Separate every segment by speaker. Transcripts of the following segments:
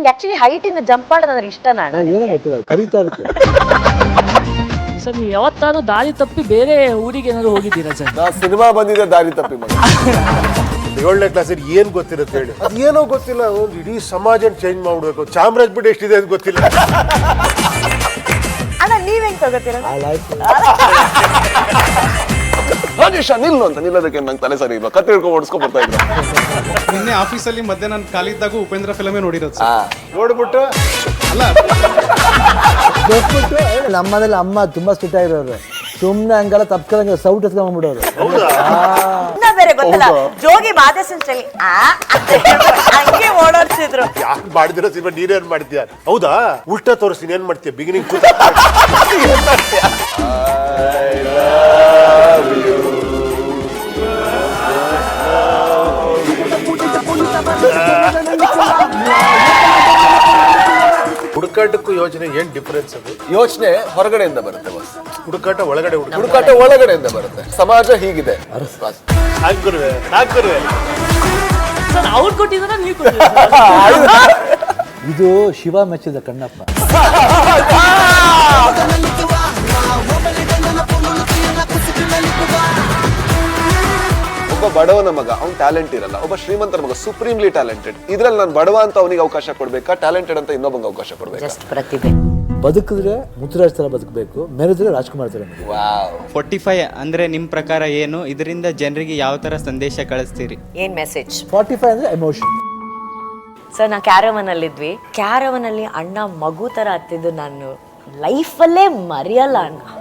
Speaker 1: ನನಗೆ actually height ಇಂದ jump ಮಾಡೋದು ಅಂದ್ರೆ ಇಷ್ಟ. ನಾನು
Speaker 2: ಏನೋ ಗೊತ್ತಿಲ್ಲ, ಕರೀತಾ ಇರುತ್ತೆ.
Speaker 3: ಸರ್ ನೀವು ಯಾವತ್ತಾದ್ರೂ ದಾರಿ ತಪ್ಪಿ ಬೇರೆ ಊರಿಗೆ ಏನಾದ್ರು ಹೋಗಿದ್ದೀರಾ ಸರ್?
Speaker 4: ನಾ ಸಿನಿಮಾ ಬಂದಿದೆ ದಾರಿ ತಪ್ಪಿ ಮಗ.
Speaker 5: 7ನೇ ಕ್ಲಾಸಲ್ಲಿ ಏನ್ ಗೊತ್ತಿರುತ್ತೆ ಹೇಳಿ? ಅದೇನೋ ಗೊತ್ತಿಲ್ಲ, ಒಂದು ಇಡೀ ಸಮಾಜ ಚೇಂಜ್ ಮಾಡ್ಬಿಡ್ಬೇಕು. ಚಾಮರಾಜ್ ಬಿಟ್ಟು ಎಷ್ಟಿದೆ ಅಂತ ಗೊತ್ತಿಲ್ಲ.
Speaker 1: ಅಣ್ಣ ನೀವ್ ಹೆಂಗ್ ತಗೋತೀರ?
Speaker 2: ಆ ಲೈಫ್
Speaker 4: ರಾಜೇಶ ನಿಲ್ಲು ಅಂತ ನಿಲ್ಲೋದಕ್ಕೆ ನಂಗೆ ತಲೆ ಸರಿ ಇಲ್ಲ, ಕತ್ತೆ ಹಿಡ್ಕೊಂಡು ಓಡಿಸ್ಕೊಂಡ್ ಬರ್ತಾ ಇದ್ರು.
Speaker 6: ನಿನ್ನೆ ಆಫೀಸಲ್ಲಿ ಮಧ್ಯಾಹ್ನ ನಾನು ಖಾಲಿದ್ದಾಗೂ ಉಪೇಂದ್ರ ಫಿಲಮೇ ನೋಡಿರೋದು ಸರ್.
Speaker 5: ನೋಡ್ಬಿಟ್ಟು
Speaker 6: ಅಲ್ಲ
Speaker 2: ಗೊತ್ಬಿಟ್ಟು ನಮ್ಮನೇಲಿ ಅಮ್ಮ ತುಂಬಾ ಸ್ಟ್ರಿಕ್ಟ್ ಆಗಿರೋರು. ಸುಮ್ಮನೆ ಹಂಗೆಲ್ಲ ತಪ್ಕೊಂಡಂಗೆ ಸೌಟ್ ಎತ್ಕೊಂಡ್ಬಿಡೋರು.
Speaker 1: ಇನ್ನ ಬೇರೆ ಗೊತ್ತಲ್ಲ, ಜೋಗಿ ಬಾಧೆಸಂಚಲಿ ಹಂಗೆ ಓಡಾಡ್ಸಿದ್ರು.
Speaker 5: ಯಾಕೆ ಮಾಡಿದಿರೋ ಸಿನಿಮಾ ನೀನೇನ್ ಮಾಡ್ತೀಯ? ಹೌದಾ, ಉಲ್ಟಾ ತೋರಿಸ್ತೀನಿ, ಏನ್ ಮಾಡ್ತೀಯ? ಬಿಗಿನಿಂಗ್ ಹುಡುಕಾಟಕ್ಕೂ ಯೋಚನೆ ಏನ್ ಡಿಫರೆನ್ಸ್? ಅದು
Speaker 4: ಯೋಚನೆ ಹೊರಗಡೆಯಿಂದ ಬರುತ್ತೆ ಬಸ್,
Speaker 5: ಹುಡುಕಾಟ ಒಳಗಡೆ
Speaker 4: ಹುಡುಕಾಟ ಒಳಗಡೆಯಿಂದ ಬರುತ್ತೆ. ಸಮಾಜ ಹೀಗಿದೆ.
Speaker 5: ಹಾಕುರುವೆ
Speaker 3: ಸರ್ ಅವ್ರು ಕೊಟ್ಟಿದ್ದಾರ ನೀವು ಕೊಟ್ಟಿದ್ದೀರಾ?
Speaker 2: ಇದು ಶಿವ ಮೆಚ್ಚಿದ ಕಣ್ಣಪ್ಪ.
Speaker 4: ಒಬ್ಬ ಬಡವನ ಮಗ, ಅವ್ನ್ ಟ್ಯಾಲೆಂಟ್ ಇರಲ್ಲ. ಒಬ್ಬ ಶ್ರೀಮಂತರ ಮಗ ಸುಪ್ರೀಮ್ಲಿ ಟ್ಯಾಲೆಂಟೆಡ್. ಇದ್ರಲ್ಲಿ ನಾನು ಬಡವ ಅಂತ ಅವನಿಗೆ ಅವಕಾಶ ಕೊಡ್ಬೇಕಾ, ಟ್ಯಾಲೆಂಟೆಡ್ ಅಂತ ಇನ್ನೊಬ್ಬಂಗೆ ಅವಕಾಶ ಕೊಡ್ಬೇಕಾ?
Speaker 1: ಜಸ್ಟ್ ಪ್ರತಿಭೆ.
Speaker 2: ಬದುಕಿದ್ರೆ ಮುತ್ತುರಾಜ್ ತರ ಬದುಕಬೇಕು, ಮೆರೆದ್ರೆ ರಾಜ್ಕುಮಾರ್ ತರ.
Speaker 7: 45 ಅಂದ್ರೆ ನಿಮ್ ಪ್ರಕಾರ ಏನು? ಇದರಿಂದ ಜನರಿಗೆ ಯಾವ ತರ ಸಂದೇಶ ಕಳಿಸ್ತೀರಿ?
Speaker 1: ಏನ್ ಮೆಸೇಜ್?
Speaker 2: 45 ಅಂದ್ರೆ ಎಮೋಷನ್.
Speaker 1: ಸರ್ ನಾ ಕ್ಯಾರವನ್ ಅಲ್ಲಿದ್ವಿ. ಕ್ಯಾರವನ್ ಅಲ್ಲಿ ಅಣ್ಣ ಮಗು ತರ ಹತ್ತಿದ್ದು ನಾನು ಲೈಫಲ್ಲೇ ಮರೆಯಲ್ಲ.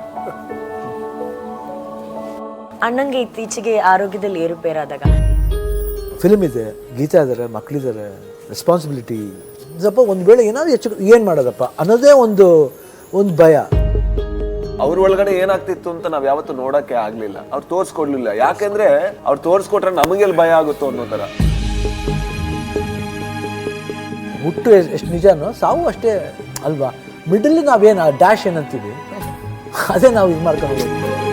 Speaker 1: ಅಣ್ಣಂಗೆ ಇತ್ತೀಚೆಗೆ ಆರೋಗ್ಯದಲ್ಲಿ ಏರುಪೇರಾದಾಗ
Speaker 2: ಫಿಲ್ಮ್ ಇದೆ, ಗೀತಾ ಇದಾರೆ, ಮಕ್ಳಿದ್ದಾರೆ, ರೆಸ್ಪಾನ್ಸಿಬಿಲಿಟಿ ಸ್ವಲ್ಪ ಒಂದ್ ವೇಳೆ ಏನಾದ್ರು ಹೆಚ್ಚು ಏನ್ ಮಾಡೋದಪ್ಪ ಅನ್ನೋದೇ ಒಂದು ಭಯ.
Speaker 4: ಅವ್ರ ಒಳಗಡೆ ಏನಾಗ್ತಿತ್ತು ಅಂತ ನಾವ್ ಯಾವತ್ತೂ ನೋಡಕ್ಕೆ ಆಗ್ಲಿಲ್ಲ. ಅವ್ರು ತೋರ್ಸ್ಕೊಡ್ಲಿಲ್ಲ. ಯಾಕೆಂದ್ರೆ ಅವ್ರು ತೋರ್ಸ್ಕೊಟ್ರೆ ನಮಗೆಲ್ಲಿ ಭಯ ಆಗುತ್ತೋ ಅನ್ನೋ ತರ.
Speaker 2: ಹುಟ್ಟು ಎಷ್ಟು ನಿಜನೋ ಸಾವು ಅಷ್ಟೇ ಅಲ್ವಾ. ಮಿಡಲ್ ನಾವೇನು ಡ್ಯಾಶ್ ಏನಂತೀವಿ, ಅದೇ ನಾವು ಇದು ಮಾಡ್ಕೊಂಡು ಹೋಗ್ತೀವಿ.